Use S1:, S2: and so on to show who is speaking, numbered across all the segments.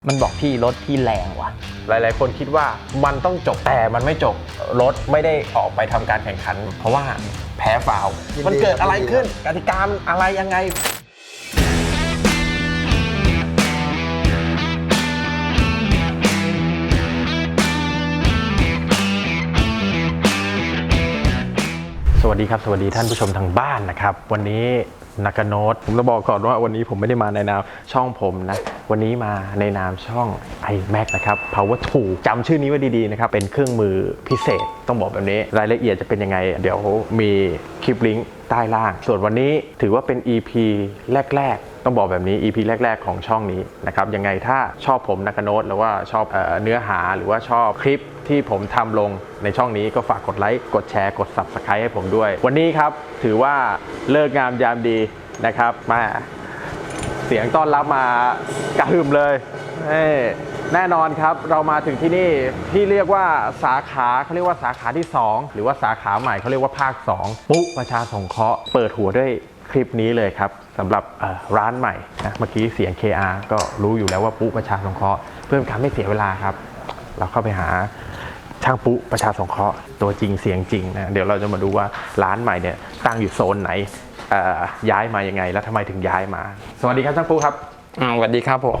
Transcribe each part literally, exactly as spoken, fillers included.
S1: มันบอกพี่รถพี่แรงว่ะ
S2: หลายๆคนคิดว่ามันต้องจบแต่มันไม่จบรถไม่ได้ออกไปทำการแข่งขันเพราะว่าแพ้ฟาวล์มันเกิดอะไรขึ้นกติกาอะไรยังไงสวัสดีครับสวัสดีท่านผู้ชมทางบ้านนะครับวันนี้นากาโนตผมจะบอกก่อนว่าวันนี้ผมไม่ได้มาในนามช่องผมนะวันนี้มาในนามช่อง ไอแม็ก นะครับ Power ทูจำชื่อนี้ไว้ดีๆนะครับเป็นเครื่องมือพิเศษต้องบอกแบบนี้รายละเอียดจะเป็นยังไงเดี๋ยวมีคลิปลิงก์ใต้ล่างส่วนวันนี้ถือว่าเป็น อี พี แรกๆต้องบอกแบบนี้ อี พี แรกๆของช่องนี้นะครับยังไงถ้าชอบผมนากาโนตหรือว่าชอบเอ่อเนื้อหาหรือว่าชอบคลิปที่ผมทำลงในช่องนี้ก็ฝากกดไลค์กดแชร์กด ซับสไครบ์ ให้ผมด้วยวันนี้ครับถือว่าเลิกงามยามดีนะครับมาเสียงต้อนรับมากระหึ่มเลยแน่นอนครับเรามาถึงที่นี่ที่เรียกว่าสาขาเขาเรียกว่าสาขาที่สองหรือว่าสาขาใหม่เขาเรียกว่าภาคสองปุ๊ประชาสงเคราะห์เปิดหัวด้วยคลิปนี้เลยครับสำหรับร้านใหม่นะเมื่อกี้เสียง เค อาร์ ก็รู้อยู่แล้วว่าปุ๊ประชาสงเคราะห์เพื่อการไม่เสียเวลาครับเราเข้าไปหาช่างปุ๊ประชาสงเคราะห์ตัวจริงเสียงจริงนะเดี๋ยวเราจะมาดูว่าร้านใหม่เนี่ยตั้งอยู่โซนไหนย้ายมายังไงแล้วทำไมถึงย้ายมาสวัสดีครับช่างปุ๊ครับ
S1: สวัสดีครับผม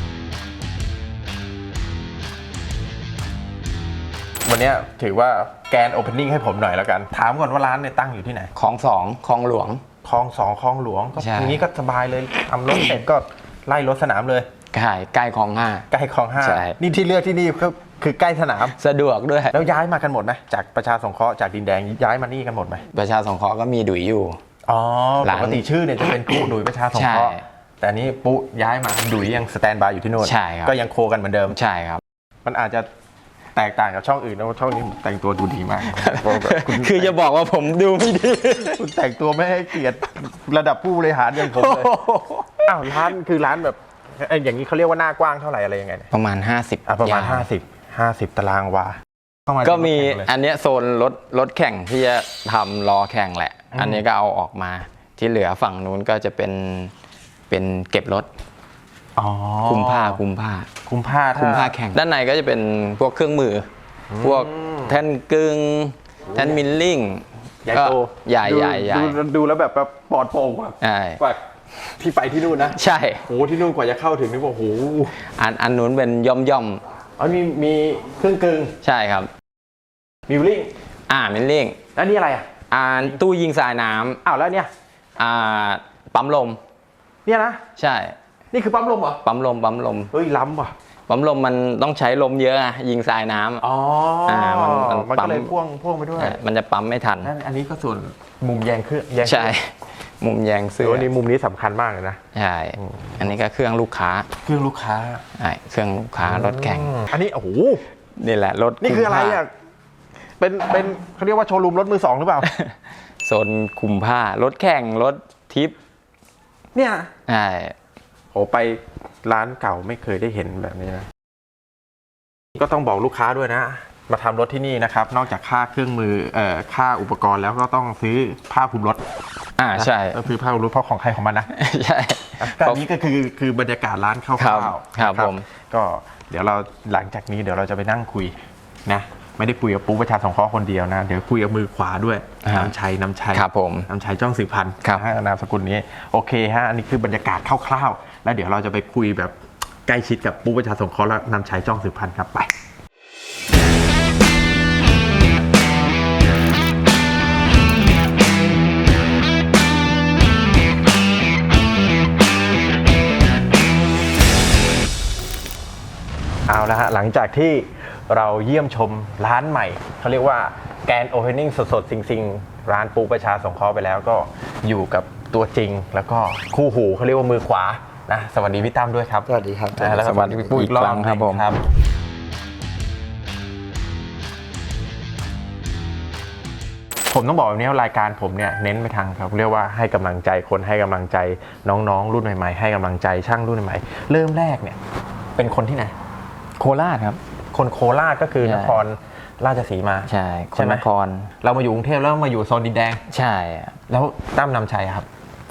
S2: วันนี้ถือว่าแกนโอเพนนิ่งให้ผมหน่อยแล้วกันถามก่อนว่าร้านเนี่ยตั้งอยู่ที่ไหน
S1: คลองสองคลองหลวง
S2: คลองสองคลองหลวงก็อย่างนี้ก็สบายเลยทำรถเสร็จก็ไล่รถสนามเลย
S1: ใกล้ใกล้คลองห้า
S2: ใกล้คลองห้านี่ที่เลือกที่นี่ก็คือใกล้สนาม
S1: สะดวกด้วย
S2: แล้วย้ายมากันหมดไหมจากประชาสงเคราะห์จากดินแดงย้ายมานี่กันหมดไหม
S1: ประชาสงเคราะห์ก็มีดุยอยู่
S2: อ๋อปกติชื่อเนี่ยจะเป็นปุ๊ดุยประชาสงเคราะห์แต่นี้ปุ๊ย้ายมาดุยยังสแตนบายอยู่ที่นู่น
S1: ใช่ครับ
S2: ก็ยังโคกันเหมือนเดิม
S1: ใช่ครับ
S2: มันอาจจะแตกต่างกับช่องอื่นนะช่องนี้แต่งตัวดูดีมาก
S1: คือจะบอกว่าผมดูไม่ดี
S2: คุณแต่งตัวไม่ให้เกียรติระดับผู้บริหารอย่างผมเลยอ้าวร้านคือร้านแบบอย่างนี้เขาเรียกว่าหน้ากว้างเท่าไหร่อะไรยังไง
S1: ประมาณห้าสิบ
S2: อ่ะประมาณห้าสิบ ห้าสิบตารางวา
S1: ก็มีอันนี้โซนรถรถแข่งที่จะทำรอแข่งแหละอันนี้ก็เอาออกมาที่เหลือฝั่งนู้นก็จะเป็นเป็นเก็บรถคุมผ้าคุมผ้า
S2: คุมผ้า
S1: คุมผ้าแข่งด้านในก็จะเป็นพวกเครื่องมือพวกแท่นกึ่งแท่นมิลลิ่ง
S2: ใหญ่โต
S1: ใหญ่ใหญ่ใหญ่
S2: ดูแล้วแบบแบบปลอดโปร่งกว่ากว่าที่ไปที่นู่นนะ
S1: ใช่
S2: โอ้ที่นู่นกว่าจะเข้าถึงนี่ว่าโอ้โห
S1: อันอันนู้นเป็นย่อมย่อม
S2: อ๋อมีมีเครื่องกึ่ง
S1: ใช่ครับ
S2: มิลลิ่ง
S1: อ่ามิลลิ่ง
S2: แล้วนี่อะไรอ่ะ
S1: อ่าตู้ยิงสายน้
S2: ำอ้าวแล้วเนี่ย
S1: อ่าปั๊มลม
S2: เนี่ยนะ
S1: ใช่
S2: นี่คือปั๊มลมเหรอ
S1: ปั๊มลมปั๊มลม
S2: เฮ้ยล้ำว่ะ
S1: ปั๊มลมมันต้องใช้ลมเยอะอะยิงสายน้ำ
S2: อ๋ออ่ามันมันก็เลยพ่วงพ่วงไปด้วย
S1: มันจะปั๊มไม่ทัน
S2: อันนี้ก็ส่วนมุมแยงเครื่อง
S1: ใช่มุมแยงเสื้อ
S2: อันนี้มุมนี้สำคัญมากเลยนะ
S1: ใช่อันนี้ก็เครื่องลูกค้า
S2: เครื่องลูกค้า
S1: ใช่เครื่องลูกค้ารถแข่ง
S2: อันนี้โอ้โห
S1: นี่แหละรถ
S2: นี่คืออะไรอ่ะเป็นเป็นเขาเรียกว่าโชว์รูมรถมือสองหรือเปล่า
S1: โซนคุมผ้ารถแข่งรถทิป
S2: เนี่ย
S1: ใช่
S2: โอ้ไปร้านเก่าไม่เคยได้เห็นแบบนี้นะก็ต้องบอกลูกค้าด้วยนะมาทำรถที่นี่นะครับนอกจากค่าเครื่องมือเอ่อค่าอุปกรณ์แล้วก็ต้องซื้อผ้าคลุมรถ
S1: อ่าใช่
S2: ก็คือผ้าคลุมรถเพราะของใครของมันนะ
S1: ใช่
S2: แต่นี้ก็คือคือบรรยากาศร้านคร่าว
S1: ๆครับผม
S2: ก็เดี๋ยวเราหลังจากนี้เดี๋ยวเราจะไปนั่งคุยนะไม่ได้คุยกับปุ๊ประชาสงเคราะห์คนเดียวนะเดี๋ยวคุยกับมือขวาด้วยน้ำชัยน้ำชัย
S1: ครับผม
S2: น้ำชัยจ้องสืบพันธุ์นามสกุลนี้โอเคฮะอันนี้คือบรรยากาศคร่าวๆแล้วเดี๋ยวเราจะไปคุยแบบใกล้ชิดกับปุ๊ประชาสงเคราะห์และนำชัยจ้องสืบพันธุ์ครับไปเอาละฮะหลังจากที่เราเยี่ยมชมร้านใหม่เขาเรียกว่าแกนโอเพนนิ่งสดๆซิงๆร้านปุ๊ประชาสงเคราะห์ไปแล้วก็อยู่กับตัวจริงแล้วก็คู่หูเขาเรียกว่ามือขวานะสวัสดีพี่ตั้มด้วยครับ
S1: สวัสดีครับ
S2: แล้วสวัสดีพี่ปุ๊อีกรอบ
S1: ครับผม
S2: ผมต้องบอกแบบนี้ว่ารายการผมเนี่ยเน้นไปทางครับเรียกว่าให้กำลังใจคนให้กำลังใจน้องๆรุ่นใหม่ๆให้กำลังใจช่างรุ่นใหม่ๆเริ่มแรกเนี่ยเป็นคนที่ไหน
S1: โคราชครับ
S2: คนโคราชก็คือนครราชสีมา
S1: ใช่คนนคร
S2: เรามาอยู่กรุงเทพแล้วมาอยู่โซนดินแดง
S1: ใช่
S2: แล้วตั้มนำชัยครับ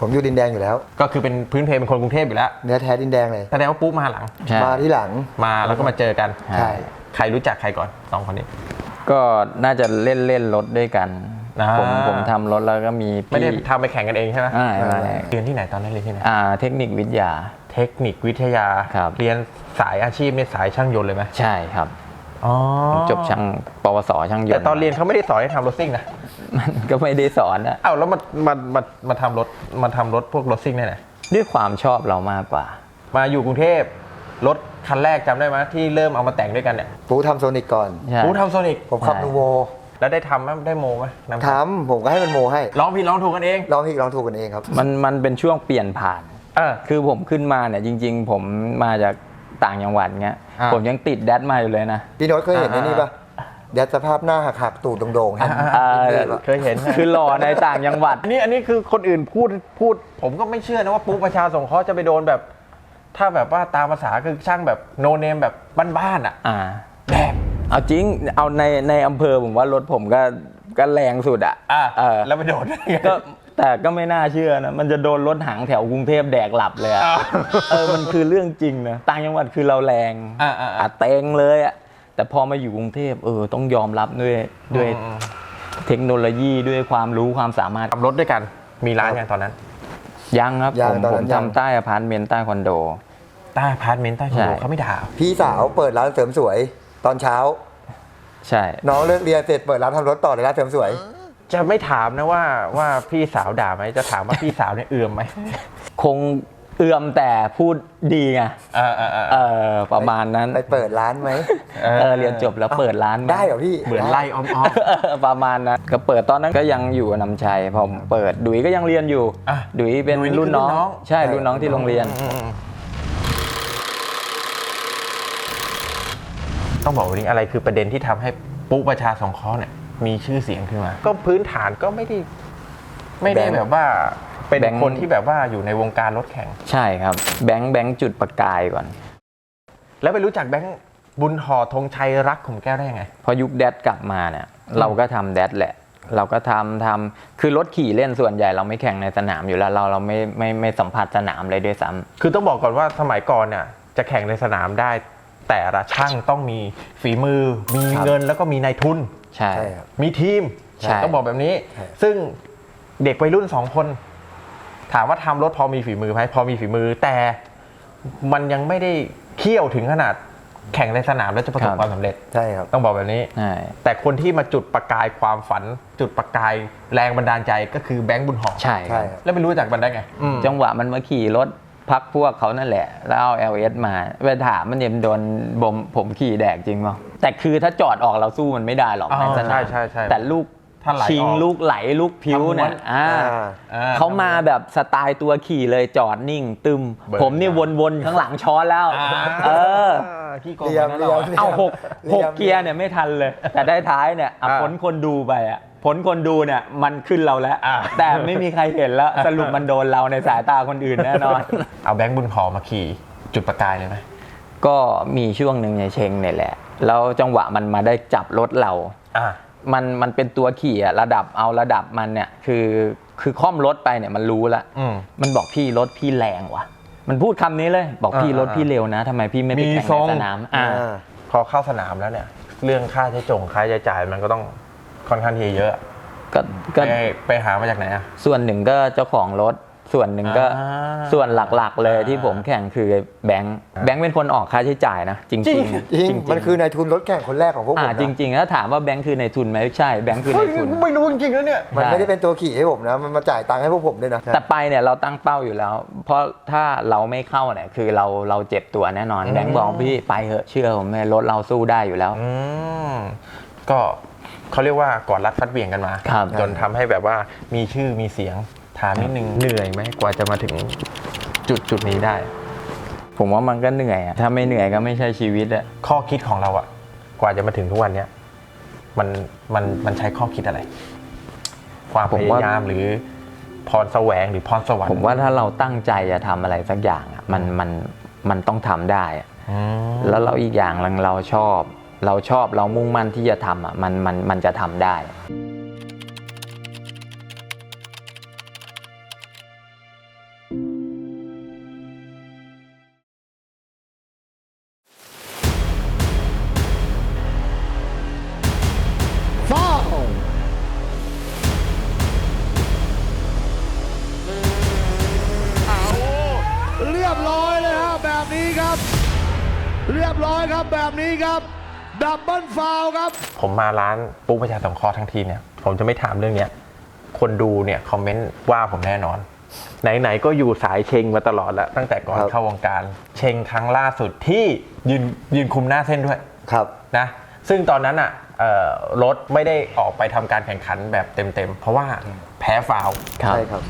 S3: ผมอยู่ดินแดงอยู่แล้ว
S2: ก็คือเป็นพื้นเพเป็นคนกรุงเทพอยู่แล้ว
S3: เนื้อแท้ดินแดงเลย
S2: แสดงว่าปุ๊มาหลัง
S1: ใช่
S3: มาที่หลัง
S2: มาแล้วก็มาเจอกัน
S3: ใช่
S2: ใครรู้จักใครก่อนสองคนนี้
S1: ก็น่าจะเล่นเล่นรถด้วยกัน
S2: อ่า
S1: ผมผมทำรถแล้วก็มีพี่
S2: ไม่ได้ทำไปแข่งกันเองใช่ไหม
S1: ไม่ไม่
S2: เรียนที่ไหนตอนนั้นเรียนที่ไหน
S1: อ่าเทคนิควิทยา
S2: เทคนิควิทยา
S1: ครับ
S2: เรียนสายอาชีพเนี่ยสายช่างยนต์เลยไหม
S1: ใช่ครับ
S2: อ๋อ
S1: ผมจบช่างปวสช่างยนต์
S2: แต่ตอนเรียนเขาไม่ได้สอนให้ทำรถซิ่งนะ
S1: มันก็ไม่ได้สอนอะ
S2: อ้าวแล้วมามามามาทำรถมาทำรถพวกรถซิ่งได้ไหน
S1: ด้วยความชอบเรามากกว่า
S2: มาอยู่กรุงเทพรถคันแรกจำได้ไหมที่เริ่มเอามาแต่งด้วยกันเนี่ย
S3: ปูทำโซนิกก่อน
S1: ใช่
S2: กูทำโซนิก
S3: ผมขับ
S1: ใช่
S3: นูโว
S2: แล้วได้ทำไหมได้โมไหมนำ
S3: ทำผมก็ให้มันโมให้
S2: ร้องผิดร้องถูกกันเอง
S3: ลองผิดลองถูกกันเองครับ
S1: มันมันเป็นช่วงเปลี่ยนผ่าน
S2: เออ
S1: คือผมขึ้นมาเนี่ยจริง ๆ ผมมาจากต่างจังหวัดเงี้ย
S2: อ่า
S1: ผมยังติดแดดมาอยู่เลยนะ
S3: พี่โน้ตเคยเห็นไอ้นี่ปะ
S2: อ่า
S3: ยัดสภาพหน้าหักหักๆตูดโด่งๆฮะ
S1: อ่า
S2: เคยเห็นนะ
S1: คือหล่อในต่างจังหวัด
S2: อันนี้อันนี้คือคนอื่นพูดพูด ผมก็ไม่เชื่อนะว่าปุ๊ประชาสงเคราะห์จะไปโดนแบบ ถ้าแบบว่าตามภาษาคือช่างแบบโนเนมแบบบ้านๆอ่ะ
S1: อ่า
S2: แบบ
S1: เอาจริงเอาในในอำเภอผมว่ารถผมก็ก็แรงสุดอ่ะ
S2: อ่ะ
S1: เออ
S2: แล้วไปโดนได้ไง
S1: ก็แต่ก็ไม่น่าเชื่อนะ มันจะโดนรถหางแถวกรุงเทพแดกหลับเลยอะ
S2: อ้าว
S1: เออมันคือเรื่องจริงนะต่างจังหวัดคือเราแรง
S2: อ่าอ่าอ่า
S1: อ่ะเต็งเลยอะแต่พอมาอยู่กรุงเทพเออต้องยอมรับด้วยด้วย
S2: อืม
S1: เทคโนโลยีด้วยความรู้ความสามารถ
S2: ขับรถด้วยกันมีร้านยังตอนนั้น
S1: ยังครับ
S3: ยัง
S1: ผม
S3: ตอน
S1: ผ
S3: นั้
S1: ม
S3: นยัง
S1: ทำใต้อพาร์ตเมนต์ใต้คอนโด
S2: ใต้พาร์ทเมนต์ใต้คอนโด
S1: ใช่
S2: เขาไม่ด่า
S3: พี่สาวเปิดร้านเสริมสวย ตอนเช้า
S1: ใช่
S3: น้องเลิกเรียนเสร็จเปิดร้านทำรถต่อในร้านเสริมสวย
S2: จะไม่ถามนะว่าว่าพี่สาวด่าไหมจะถามว่าพี่สาวเนี่ยเอื่อมไหม
S1: คงเอื่อมแต่พูดดีไง
S2: เออเออเออ
S1: เออประมาณนั้น
S3: ไปเปิดร้านไหม
S2: เออ
S1: เออเรียนจบแล้วเปิดร้านหม
S3: ได้เหรอพี่
S2: เหมือนไล่อ้อม
S1: เออประมาณนั้นก็เปิดตอนนั้นก็ยังอยู่กับนำชัยพอผมเปิดดุยก็ยังเรียนอยู่
S2: อ่ะ
S1: ดุยเป็น
S2: ดุยนี่
S1: รุ่นน้อง
S2: คือรุ่นน้อง
S1: ใช่รุ่นน้องที่โรงเรียน
S2: ๆอืมต้องบอกวันนี้อะไรคือประเด็นที่ทำให้ปุ๊ประชาสงเคราะห์เนี่ยมีชื่อเสียงขึ้นมา ก็พื้นฐานก็ไม่ได้ไม่ได้
S3: แบงค์
S2: แบบว่าเป็น
S1: แบงค์
S2: คนที่แบบว่าอยู่ในวงการรถแข่ง
S1: ใช่ครับแบงค์แบงค์จุดประกายก่อน
S2: แล้วไปรู้จักแบงค์บุญห่อธงชัยรักขุมแก้วได้ยังไง
S1: พอยุคแดดกลับมาเนี่ยเราก็ทำแดดแหละ เราก็ทำทำคือรถขี่เล่นส่วนใหญ่เราไม่แข่งในสนามอยู่แล้วเราเราไม่ไม่ไม่สัมผัสสนามเลยด้วยซ้ำ
S2: คือต้องบอกก่อนว่าสมัยก่อนเนี่ยจะแข่งในสนามได้ แต่ละช่างต้องมีฝีมือ มี
S1: ครับ
S2: เงินแล้วก็มีนายทุน
S1: ใช่
S3: ใช่ครับ
S2: มีทีม
S1: ใช่
S2: ต้องบอกแบบนี้
S3: ใช่
S2: ซึ่งเด็กวัยรุ่นสองคน ถามว่าทำรถพอมีฝีมือไหมพอมีฝีมือ แต่มันยังไม่ได้เขี่ยวถึงขนาดแข่งในสนามแล้วจะประสบความสำเร็จ
S3: ใช่ครับ
S2: ต้องบอกแบบนี้
S1: ใช่
S2: แต่คนที่มาจุดประกายความฝัน จุดประกายแรงบันดาลใจก็คือแบงค์บุญหอม
S1: ใช่ค
S3: ใช่
S1: รับ
S3: ครับ
S2: แล้วไม่รู้จักมันได้ไงอืม
S1: จังหวะมันมาขี่รถพักพวกเขานั่นแหละ แล้วเอา แอล เอส มาไปถามมันเนี่ยมันโดนบมผมขี่แดกจริงเปล่าแต่คือถ้าจอดออกเราสู้มันไม่ได้หรอก
S2: อ๋อ
S1: ในสนาม
S2: ใช่ใช่ใช่
S1: แต่ลูก
S2: ถ้าไหลออก
S1: ชิงลูกไหลลูกพิ้วเนี่ย
S2: ทำม้วน
S1: อ่า
S3: อ่า
S1: เขามาแบบสไตล์ตัวขี่เลยจอดนิ่ง ตึม
S2: เบิร์น
S1: ผมนี่วนๆข้างหลังช้อนแล้ว เออ
S2: ขี้โกง
S3: เรียม
S2: นะ
S3: เรี
S2: เรา
S3: ยม
S2: อะ
S1: เอาหก
S3: เรียม
S1: หกเกียร์เนี่ยไม่ทันเลย แต่ได้ท้ายเนี่ยอ่ะ
S2: อ่า
S1: ผลคนดูไปอ่ะผลคนดูเนี่ยมันขึ้นเราแล้ว
S2: อ่า
S1: แต่ไม่มีใครเห็นแล้ว สรุปมันโดนเราในสายตาคนอื่นแน่นอน
S2: เอาแบงค์บุญหอมมาขี่จุดประกายเลยไหม
S1: ก็มีช่วงหนึ่งในเชงเนี่ยแหละ แล้วจังหวะมันมาได้จับรถเรา
S2: อ่า
S1: มันมันเป็นตัวขี่อะระดับเอาระดับมันเนี่ยคือคือค่อมรถไปเนี่ยมันรู้ละ
S2: อืม
S1: มันบอกพี่รถพี่แรงว่ะ มันพูดคำนี้เลยบอกพี่
S2: อ่าร
S1: ถพี่เร็วนะทำไมพี่ไม่ไป
S2: มี
S1: แข่ง
S2: ทร
S1: ใน
S2: ง
S1: สนามอ่า
S3: อ่า
S2: พอเข้าสนามแล้วเนี่ย เรื่องค่าใช้จงค่าใช้จ่ายมันก็ต้องค่อนข้างที่จะเยอะ
S1: ก็ก็
S2: ไปไปหามาจากไหนอ่ะ
S1: ส่วนหนึ่งก็เจ้าของรถ ส่วนหนึ่งก็
S2: อ่า
S1: ส่วนหลักๆเลย
S2: อ่า
S1: ที่ผมแข่งคือแบงค์แบงค์เป็นคนออกค่าใช้จ่ายนะ จริงๆ
S2: จริง
S3: จริงมันคือนายทุนรถแข่งคนแรกของพวกผม
S1: อ่า
S3: นะ
S1: จริงๆแล้วถามว่าแบงค์คือในทุนไหมใช่แบงค์คือในทุน
S2: ไม่รู้จริงๆแล้วเนี่ย
S3: มันไม่ได้เป็นตัวขี่ให้ผมนะ มันมาจ่ายตังค์ให้พวกผมด้วยนะ
S1: แต่ไปเนี่ยเราตั้งเป้าอยู่แล้ว เพราะถ้าเราไม่เข้าเนี่ยคือเราเราเจ็บตัวแน่นอน
S2: อืม
S1: แบงค์บอกพี่ไปเถอะเชื่อผมเลยรถเราสู้ได้อยู่แล้ว
S2: อืมก็เขาเรียกว่ากอดรัดฟัดเหวี่ยงกันมา
S1: ครับ
S2: จนทำให้แบบว่ามีชื่อมีเสียงถามนิดนึงเหนื่อยไหมกว่าจะมาถึงจุดจุดนี้ได้
S1: ผมว่ามันก็เหนื่อยอะถ้าไม่เหนื่อยก็ไม่ใช่ชีวิตอะ
S2: ข้อคิดของเราอะกว่าจะมาถึงทุกวันเนี้ยมันมันมันใช้ข้อคิดอะไร ความพยายามหรือพรแสวงหรือพรสวรรค์
S1: ผมว่าถ้าเราตั้งใจจะทำอะไรสักอย่างอะมันมันมันต้องทำได้อะ
S2: อืม
S1: แล้วเราอีกอย่างหนึ่งเราชอบ เราชอบเรามุ่งมั่นที่จะทำอ่ะมันมันมันจะทำได้
S4: เรียบร้อยครับแบบนี้ครับดับเบิลฟาวล์ครับ
S2: ผมมาร้านปุ๊ประชาสงเคราะห์ทั้งทีเนี่ยผมจะไม่ถามเรื่องเนี้ยคนดูเนี่ยคอมเมนต์ว่าผมแน่นอน ไหนๆก็อยู่สายเชงมาตลอดแล้วตั้งแต่ก่อน
S3: ครับ
S2: เข้าวงการเชงครั้งล่าสุดที่ยืนยืนคุมหน้าเส้นด้วย
S3: ครับ
S2: นะซึ่งตอนนั้นอ่ะเอ่อรถไม่ได้ออกไปทำการแข่งขันแบบเต็มๆเพราะว่าแพ้ฟาวล์
S3: ใช่ครับ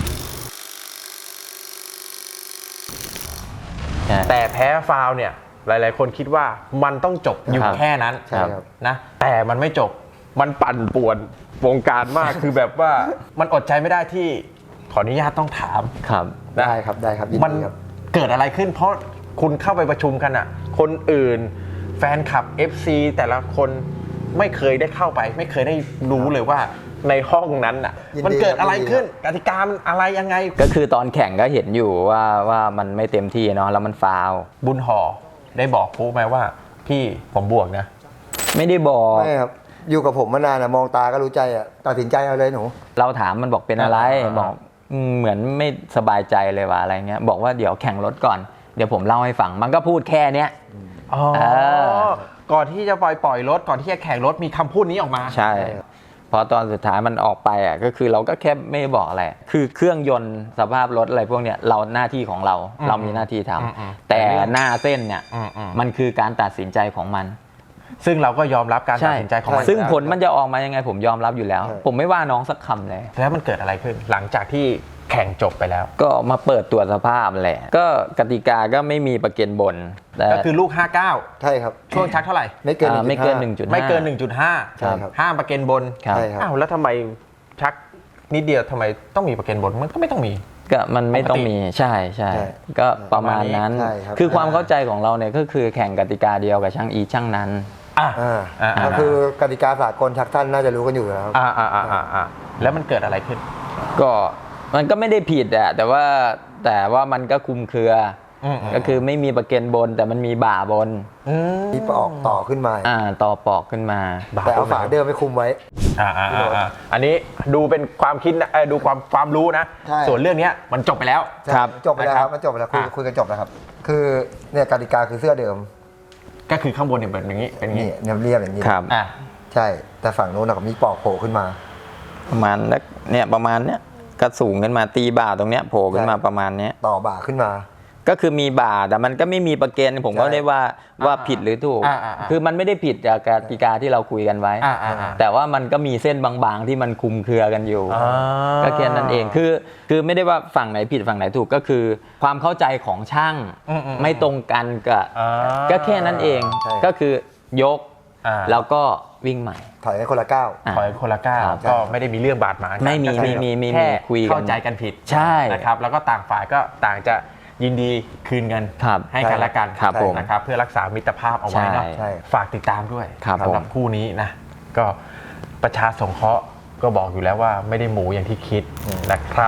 S1: ใช่
S2: แต่แพ้ฟาวล์เนี่ยหลายๆ คนคิดว่ามันต้องจบอยู่
S1: ครับ
S2: แค่นั้น
S3: ใช่ครับ
S2: นะแต่มันไม่จบมันปั่นป่วนวงการมาก คือแบบว่ามันอดใจไม่ได้ที่ขออนุญาตต้องถาม
S1: ครับ
S2: นะ
S3: ได้ครับได้ครับยิน
S2: มัน
S3: ดีครับ
S2: เกิดอะไรขึ้นเพราะคุณเข้าไปประชุมกันอ่ะคนอื่นแฟนคลับ เอฟ ซี แต่ละคนไม่เคยได้เข้าไป ไม่เคยได้รู้เลยว่าในห้องนั้นอ่ะ
S3: ยินดี
S2: มันเกิดอะไร
S3: ครับ
S2: ขึ้นกติกามันอะไรยังไง
S1: ก็คือตอนแข่งก็เห็นอยู่ว่าว่ามันไม่เต็มที่เนาะแล้วมันฟาวล์
S2: บุญห่อได้บอกปุ๊ไหมว่าพี่ผมบวกนะ
S1: ไม่ได้บอก
S3: ไม่ครับ อยู่กับผมมานานอะมองตาก็รู้ใจอะตัดสินใจเอาเลยหนู
S1: เราถามมันบอกเป็นอะไร
S2: อ่า
S1: บอกอืมเหมือนไม่สบายใจเลยว่าอะไรเงี้ยบอกว่าเดี๋ยวแข่งรถก่อนเดี๋ยวผมเล่าให้ฟังมันก็พูดแค่เนี้ย
S2: อ๋อ
S1: เออ
S2: ก่อนที่จะปล่อยปล่อยรถก่อนที่จะแข่งรถมีคำพูดนี้ออกมา
S1: ใช่พอตอนสุดท้ายมันออกไปอ่ะก็คือเราก็แค่ไม่บอกอะไรคือเครื่องยนต์สภาพรถอะไรพวกเนี้ยเราหน้าที่ของเรา
S2: อืม
S1: เรามีหน้าที่ทำ
S2: อืมอืม
S1: แต่หน้าเส้นเนี่ย
S2: อืมอืม
S1: มันคือการตัดสินใจของมัน
S2: ซึ่งเราก็ยอมรับการตัดสินใจของมัน
S1: ซึ่ง
S2: อยู่
S1: ผ
S2: แล้
S1: ล
S2: ว
S1: มันจะออกมายังไงผมยอมรับอยู่แล้ว
S3: ใช่
S1: ผมไม่ว่าน้องสักคำเลย
S2: แล้วมันเกิดอะไรขึ้นหลังจากที่แข่งจบไปแล้ว
S1: ก็มาเปิดตรวจสภาพแหละ ก็กติกาก็ไม่มีประกันบนแต่
S2: ก็คือลูกห้าสิบเก้า
S3: ใช่ครับ
S2: ช่วงชักเท่าไหร่
S3: ไม่เกิน
S1: อ่าไม่เกิน
S3: หนึ่งจุดห้า
S1: หนึ่งจุดห้า
S2: ไม่เกิน หนึ่งจุดห้า
S3: ใช่ครับ
S2: ห้ามประกันบน
S1: ครับ
S3: ใช่ครับ
S2: อ้าวแล้วทำไมชักนิดเดียวทำไมต้องมีประกันบนมันก็ไม่ต้องมี
S1: ก็มันไม่ต้อง
S2: ปกติ
S1: มีใช่ใช่
S3: ใช่
S1: ก็ประมาณนั้น
S3: ใช่ครับ
S1: คือความเข้าใจของเราเนี่ยก็คือแข่งกติกาเดียวกับช่างอีช่างนั้น
S2: อ่ะ
S3: อ่า
S2: อ่า
S3: ก็คือกติกาสากลทักท่านน่าจะรู้กันอยู่แล้ว
S2: อ่าอ่าอ่าอ่าอ่าแล้วมันเกิดอะไรขึ้น
S1: ก็มันก็ไม่ได้ผิดอะแต่ว่าแต่ว่ามันก็คลุมเครืออ
S2: ม
S1: ก็คือไม่มีประกันบน แต่มันมีบ่าบน
S2: อืม
S3: ที่ออกต่อขึ้นมา
S1: อ่าต่อปอกขึ้นมา
S3: แต่เอาฝาเดิมไปคุมไว้
S2: อ่าอ่าอ่าอ่าอันนี้ดูเป็นความคิดนะเอ้ยดูความความรู้นะ
S3: ใช่
S2: ส่วนเรื่องเนี้ยมันจบไปแล้ว
S1: ครับ
S3: จบไปแล้วครับ
S2: นะครับ
S3: มันจบไปแล้วคุย
S2: อ่ะ
S3: คุยกันจบแล้วครับ คือเนี่ยกติกาคือเสื้อเดิม
S2: ก็คือข้างบนเนี่ยเป็นอย่างนี้เป็นอย่าง
S3: นี่
S2: นี้
S3: เนี่ยเรียบอย่างนี้
S1: ครับ
S2: อ่ะ
S3: ใช่ แต่ฝั่งโน้นนะมีปอกโผล่ขึ้นมา
S1: ประมาณนักเนี่ยประมาณเนี้ยก็สูงขึ้นมาตีบ่าตรงเนี้ยโผล่ขึ้นมา
S3: ใช่
S1: ประมาณเนี้ย
S3: ต่อบ่าขึ้นมา
S1: ก็คือมีบ่าแต่มันก็ไม่มีประกันผมก็
S3: ใช่
S1: ได้ว่าว่าผิดหรือถูก
S2: อ่าอ่าอ่า
S1: คือมันไม่ได้ผิดจากกติกาที่เราคุยกันไว้
S2: อ่าอ่าอ่า
S1: แต่ว่ามันก็มีเส้นบางๆที่มันคลุมเครือกันอยู่
S2: อ่า
S1: ก็แค่นั้นเองคือคือไม่ได้ว่าฝั่งไหนผิดฝั่งไหนถูกก็คือ ความเข้าใจของช่าง
S2: อืมอืม
S1: ไม่ตรงกันกับ
S2: อ่า
S1: ก็แค่นั้นเอง
S3: ใช่
S1: ก็คือยก
S2: อ่า
S1: แล้วก็วิ่งใหม่
S3: ถอยให้คนละก้าว
S1: อ่ะ
S2: ถอยคนละก้าว
S1: ครับ
S2: ก็ไม่ได้มีเรื่องบาดหมางกัน
S1: ไม่มี
S2: ก็แค่
S1: มีมีมี
S2: แค่
S1: คุยกัน
S2: เข้าใจกันผิด
S1: ใช่
S2: นะครับแล้วก็ต่างฝ่ายก็ต่างจะยินดีคืนเงิน
S1: ครับ
S2: ให้กันและกัน
S1: ครับผม
S2: นะครับเพื่อรักษามิตรภาพเอาไว้เนาะ
S1: ใช่
S3: ใช่
S2: ฝากติดตามด้วย
S1: ครับ
S2: สำหรับ
S1: ผม
S2: คู่นี้นะก็ประชาสงเคราะห์ก็บอกอยู่แล้วว่าไม่ได้หมูอย่างที่คิดนะครับ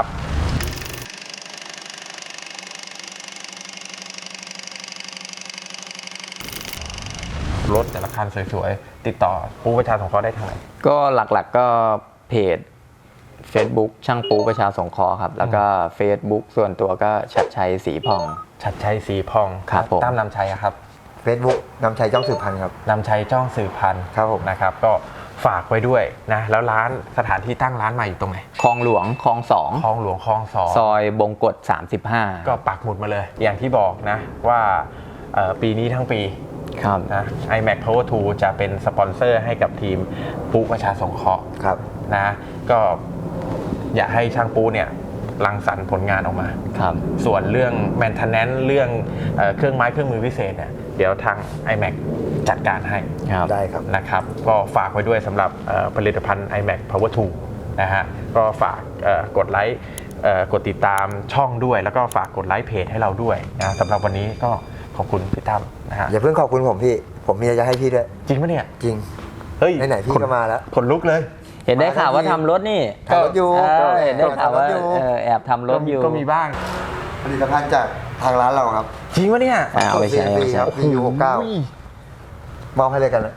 S2: รถแต่ละคันสวยๆ ติดต่อปูประชาสงเคราะห์ได้ทางไหน
S1: ก็หลักๆก็เพจ Facebook ช่างปูประชาสงเคราะห์ครับ แล้วก็ Facebook ส่วนตัวก็ชัดชัยสีพอง
S2: ชัดชัยสีพอง
S1: ครับผม
S2: ตั้มนำชัยอะครับ
S3: Facebook นำชัยจ้องสืบพันธ์ครับ
S2: นำชัยจ้องสืบพันธ์
S3: ครับผม
S2: นะครับ ก็ฝากไว้ด้วยนะแล้วร้านสถานที่ตั้งร้านใหม่อยู่ตรงไหน
S1: คลองหลวงคลองสอง
S2: คลองหลวงคลองสอง
S1: ซอยบงกฎสามสิบห้า
S2: ก็ปักหมุดมาเลย อย่างที่บอกนะว่าเอ่อปีนี้ทั้งปี
S1: ครับ
S2: นะ iMac Power ทู จะเป็นสปอนเซอร์ให้กับทีมปูประชาสงเคราะห์
S3: ครับ
S2: นะก็อยากให้ช่างปูเนี่ยรังสรรค์ผลงานออกมา
S1: ครับ
S2: ส่วนเรื่อง maintenance เรื่องเอ่อเครื่องไม้เครื่องมือพิเศษเนี่ยเดี๋ยวทาง iMac จัดการให้
S1: ครับ
S3: ได้ครับ
S2: นะครับก็ฝากไว้ด้วยสำหรับเอ่อผลิตภัณฑ์ iMac Power ทู นะฮะก็ฝากเอ่อกดไลค์เอ่อกดติดตามช่องด้วย แล้วก็ฝากกดไลค์เพจให้เราด้วยนะสำหรับวันนี้ก็ขอบคุณพี่ตั้มนะฮะ
S3: อย่าเพิ่งขอบคุณผมพี่ ผมมีอะไรจะให้พี่ด้วย
S2: จริงปะเนี่ย
S3: จริง
S2: เฮ้ย
S3: ไหนๆพี่ก็มาแล้ว
S2: ขนลุกเลย
S1: เห็นได้ข่าวว่าทำรถนี่
S3: ทำรถอยู่
S1: เออเห็นได้ข่าวว่า
S3: ทำรถอยู่
S1: เออแอบทำรถอยู่
S2: ก็มีบ้าง
S3: ผลิตภัณฑ์จากทางร้านเราครับ
S2: จริงปะเนี่ย
S1: อ่าเอาไปใช้เอาไปใช้
S3: ครับ พี ยู หกสิบเก้า
S2: โอ้โห
S3: มอบให้เลยกันนะ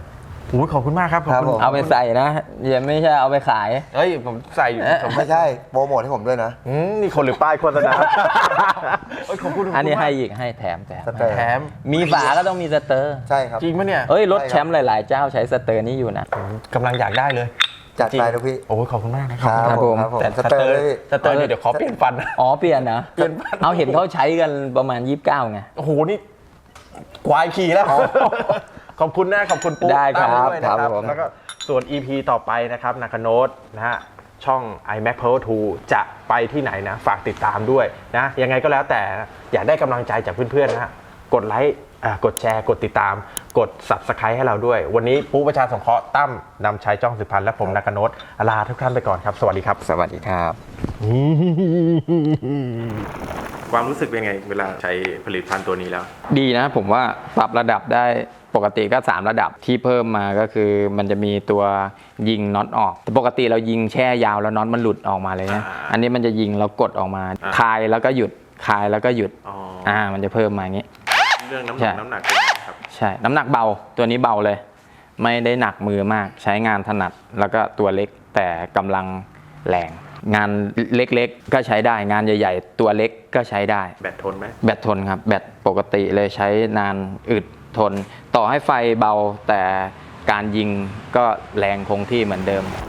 S2: โอ้ยขอบคุณมากครับขอบ
S3: ครับ
S2: คุณ
S3: ผม
S1: เอาไปใส่นะอย่าไม่ใช่เอาไปขาย
S2: เอ้ยผมใส่อยู่
S1: เอ๊ะ
S2: ผม
S3: ไม่ใช่โปรโมทให้ผมด้วยนะ
S2: อืมนี่คนหรือป้ายโฆษณาเอ้ยขอบคุณ
S1: อันนี้ให้
S2: ขบ
S1: อีกให้แถมแถม
S3: สเตอร์
S2: คุณมากแถม
S1: มีฝาก็ต้องมีสเตอร์
S3: ใช่ครับ
S2: จริงปะเนี่ย
S1: เอ้ยรถ
S3: ใช่ครับ
S1: แชมป์หลาย ๆ เจ้าใช้สเตอร์นี่อยู่นะ
S2: กำลังอยากได้เลย
S3: จัดไปนะพี่
S2: โอ้ยขอบคุณมากนะค
S3: ค
S2: รั
S3: รับ
S1: ครับ
S3: ผ
S1: ผม ม
S3: ครับผม
S2: แต่
S3: สเตอร์เลยพี่
S2: สเตอร์เนี่ยเดี๋ยวขอเปลี่ยนฟันนะ
S1: อ๋อเปลี่ยนนะ
S2: เปลี่ยนบ้าน
S1: เอาเห็นเขาใช้กันประมาณยี่สิบเก้าไง
S2: โอ้โหนี่ควายขี่แล้วขอบคุณนะขอบคุณปุ๊
S1: ได้ครับ
S2: ตั้มด้วยนะครับ
S1: ครับผม
S2: แล้วก็ส่วน อี พี ต่อไปนะครับนาคาโนตนะฮะช่อง iMac Pro ทู จะไปที่ไหนนะ ฝากติดตามด้วยนะยังไงก็แล้วแต่อยากได้กำลังใจจากเพื่อนๆนะฮะกดไลค์อ่ะกดแชร์กดติดตาม กด Subscribe ให้เราด้วย วันนี้ปุ๊ประชาสงเคราะห์ตั้มนำชัยจ้องสุพรรณและผมนาคาโนตลาทุกท่านไปก่อนครับ สวัสดีครับ
S1: สวัสดีครับ
S2: ความรู้สึกเป็นไงเวลาใช้ผลิตภัณฑ์ตัวนี้แล้ว
S1: ดีนะผมว่าปรับระดับได้ปกติก็สามระดับที่เพิ่มมาก็คือมันจะมีตัวยิงน็อตออกแต่ปกติเรายิงแช่ยาวแล้วน็อตมันหลุดออกมาเลยนะ
S2: อ่า
S1: อันนี้มันจะยิงแล้วกดออกมา
S2: อ่า
S1: คลายแล้วก็หยุดคลายแล้วก็หยุด
S2: อ๋อ
S1: อ่ามันจะเพิ่มมาอย่างนี้
S2: เรื่องน้ำห
S1: ใช่
S2: นักน้ำหนักเป็นไงครับ
S1: ใช่น้ำหนักเบาตัวนี้เบาเลย ไม่ได้หนักมือมากใช้งานถนัดแล้วก็ตัวเล็กแต่กำลังแรงงานเล็กๆก็ใช้ได้งานใหญ่ๆ ตัวเล็กก็ใช้ได้
S2: แบตทนไหม
S1: แบตทนครับแบตปกติเลยใช้นานอึดทน ต่อให้ไฟเบาแต่การยิงก็แรงคงที่เหมือนเดิม